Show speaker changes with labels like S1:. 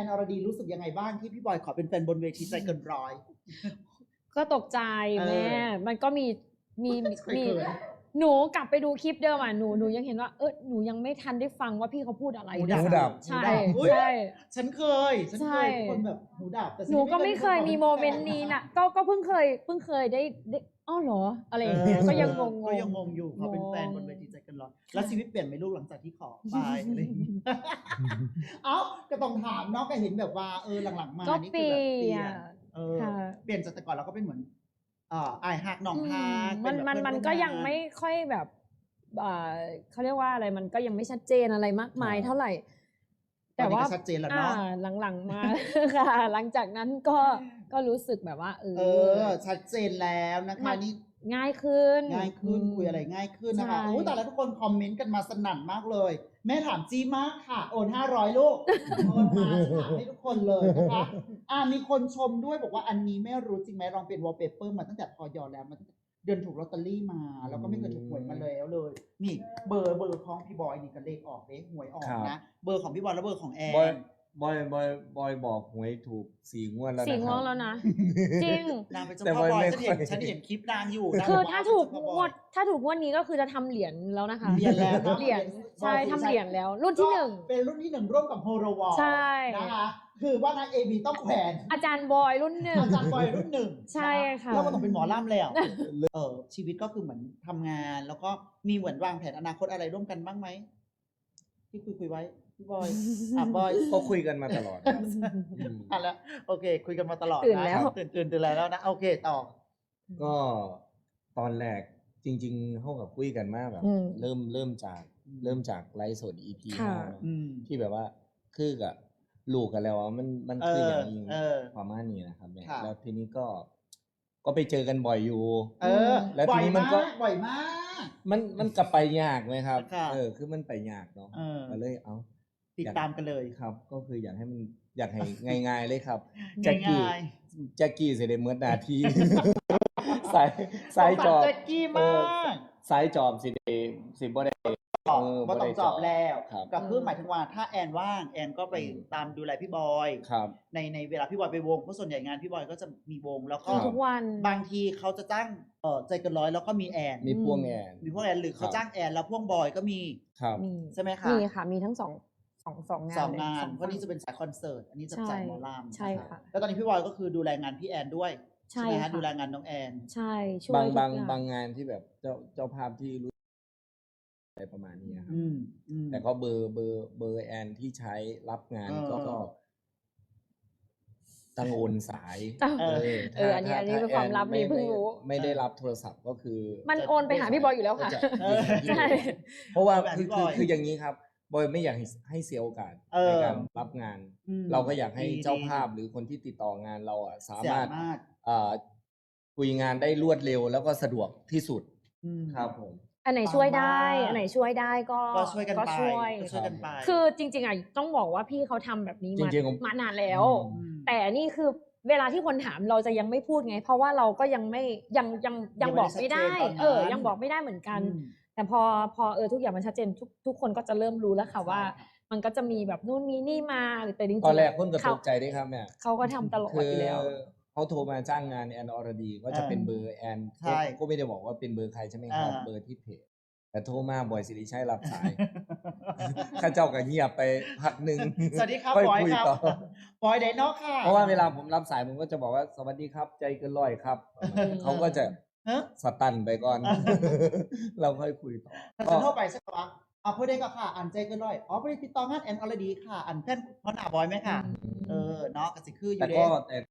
S1: อนอรดีรู้สึกยังไงบ้างที่พี่บอยขอเป็นแฟนบนเวทีใจเกินร้อย
S2: ก็ตกใจแม่มันก็มีหนูกลับไปดูคลิปเดิมอ่ะหนูยังเห็นว่าหนูยังไม่ทันได้ฟังว่าพี่เขาพูดอะไร
S3: หูดับ
S2: ใช่
S1: ใช่ฉันเคยคนแบบหูดับแต่
S2: หนูก็ไม่เคยมีโมเมนต์นี้นะก็เพิ่งเคยได้อ้อเหรออะไรอย่างเงี้ยก็ยังงง
S1: อยู่เขาเป็นแฟนบนเวทีใจเกินร้อยแล้วชีวิตเปลี่ยนไหมลูกหลังจากที่ขอไปอะไรอย่างงี้เอ้าก็ต้องถามเนาะก็เห็นแบบว่าหลังๆมานี่คือแบบเปลี่ยนเปลี่ยนจากแต่ก่อนเราก็เป็นเหมือนอายฮักน้องฮัก
S2: มันก็ยังไม่ค่อยแบบเขาเรียกว่าอะไรมันก็ยังไม่ชัดเจนอะไรมากมายเท่าไหร่แต่ว่า
S1: ชัดเจนแล้วเนาะ
S2: หลังๆมาค่ะหลังจากนั้นก็รู้สึกแบบว่า
S1: ชัดเจนแล้วนะคะนี่
S2: ง่ายขึ้น
S1: คุยอะไรง่ายขึ้นนะคะแต่แล้วทุกคนคอมเมนต์กันมาสนั่นมากเลยแม่ถามจี้มากค่ะโอน500ลูกโอนมาถามให้ทุกคนเลยนะคะมีคนชมด้วยบอกว่าอันนี้ไม่รู้จริงไหมลองเป็นวอลเปเปอร์มาตั้งแต่พอยอแล้วมาเดือนถูกลอตเตอรี่มาแล้วก็ไม่เคยถูกหวยมาแล้วเลยนี่เบอร์ของพี่บอยนี่ก็เลขออกเลขหวยออกนะเบอร์ของพี่บอยและเบอร์ของแอน
S3: บอยบอกหวยถูก4 งวดแล้วนะ
S2: 4 งวดแล้วนะจริง
S1: นางเป็นเจ้าพ่อบอยฉันเห็นคลิปนางอยู่
S2: คือถ้าถูกงวดนี้ก็คือจะทำเหรียญแล้วนะคะ
S1: เหรียญแล้ว
S2: เหรียญใช่ทำเหรียญแล้วรุ่นที่1
S1: เป็นรุ่นที่1ร่วมกับโฮโรวอล
S2: ใช่
S1: นะคะคือว่านางABต้องแขวน
S2: อาจารย์บอยรุ่น1
S1: อาจารย์บอยรุ่น1
S2: ใช่ค่ะ
S1: แล้วมันต้องเป็นหมอล่ำแล้วชีวิตก็คือเหมือนทำงานแล้วก็มีเหมือนวางแผนอนาคตอะไรร่วมกันบ้างไหมที่คุยไว้พี่บอยบอย
S3: ก็คุยกันมาตลอด
S1: แล้วโอเคคุยกันมาตลอด
S2: ตื่นแล้ว
S1: ตื่นแล้วนะโอเคต่อ
S3: ก็ตอนแรกจริงๆเขากับคุยกันมากแบบเริ่มจากไลฟ์สด EP 5ที่แบบว่าคือกับลูกกันแล้วมันคืออย่างนี้ประมาณนี้นะครับแล้วทีนี้ก็ไปเจอกันบ่อยอยู่แล้วทีนี้มันก็
S1: บ่อยมาก
S3: มันกลับไปยากไหมครับคือมันไปยากเนาะก็เลย
S1: ติดตามกันเลย
S3: ครับก็คืออยากให้ง่ายๆเลยครับแจ็คกี้เสด็จเมื่อนาทีสายจอบ
S1: แจ็คกี้มาก
S3: สายจอบสิบ่ได้
S1: บ่ต้องจอบแล้วก็คือหมายถึงว่าถ้าแอนว่างแอนก็ไปตามดูแลพี่บอยในเวลาพี่บอยไปวงเพราะส่วนใหญ่งานพี่บอยก็จะมีวงแล้วก็
S2: ทุกวัน
S1: บางทีเขาจะจ้างใจเกินร้อยแล้วก็มีแอน
S3: มีพ่วงแอน
S1: หรือเขาจ้างแอนแล้วพ่วงบอยก็มีใช่ไหมคะ
S2: มีค่ะมีทั้ง2งาน
S1: เพราะนี่จะเป็นสายคอนเสิร์ตอันนี้จะสายหมอลำ
S2: ใช่ค่ะ
S1: แล้วตอนนี้พี่บอยก็คือดูแลงานพี่แอนด้วย
S2: ใช่ค่ะ
S1: ดูแลงานน้องแอน
S2: ใช่ช่วย
S3: บางงานที่แบบเจ้าภาพที่รู้อะไรประมาณนี้ครับแต่ก็เบอร์แอนที่ใช้รับงานก็ตั้งโอนสาย
S2: อันนี้เป็นความลับนี่เพิ่งรู้
S3: ไม่ได้รับโทรศัพท์ก็คือ
S2: มันโอนไปหาพี่บอยอยู่แล้วค่ะ
S3: ใช่เพราะว่าคืออย่างนี้ครับบอยไม่อยากให้เสียโอกาสในการรับงานเราก็อยากให้เจ้าภาพหรือคนที่ติดต่องานเราสามารถคุยงานได้รวดเร็วแล้วก็สะดวกที่สุดครับผม
S2: อันไหนช่วยได้ก็
S1: ช่วยกันไป
S2: คือจริงๆต้องบอกว่าพี่เขาทำแบบนี้มานานแล้วแต่นี่คือเวลาที่คนถามเราจะยังไม่พูดไงเพราะว่าเราก็ยังไม่ยังบอกไม่ได้ยังบอกไม่ได้เหมือนกันแต่พอทุกอย่างมันชัดเจนทุกคนก็จะเริ่มรู้แล้วค่ะว่ามันก็จะมีแบบนู่นมีนี่มาแต่จริงๆ
S3: ตอนแรกคนก็ตกใจด้วยครับเนี่ย
S2: เขาก็ทำตลอดอยู่แล้ว
S3: เขาโทรมาจ้างงานแอนอรดีก็จะเป็นเบอร์แอนก็ไม่ได้บอกว่าเป็นเบอร์ใครใช่ไหมครับเบอร์ที่เพจแต่โทรมาบ่อยสิริชัยรับสายข้าเจ้าก็เงียบไปพักหนึ่ง
S1: สวัสดีครับบอยครับบอยไดโน่ค่ะ
S3: เพราะว่าเวลาผมรับสายผมก็จะบอกว่าสวัสดีครับใจเกินร้อยครับเขาก็จะสตันไปก่อนเราค่อยคุยต่อ
S1: จะโทรไปใช่ไหมพูดได้ก็ค่ะอันใจเกินร้อยพอดีติดต่องานแอนอรดีค่ะอันเพื่อนพ่อหน้าบอยไหมค่ะเนาะก็สิคืออยู่
S3: แต่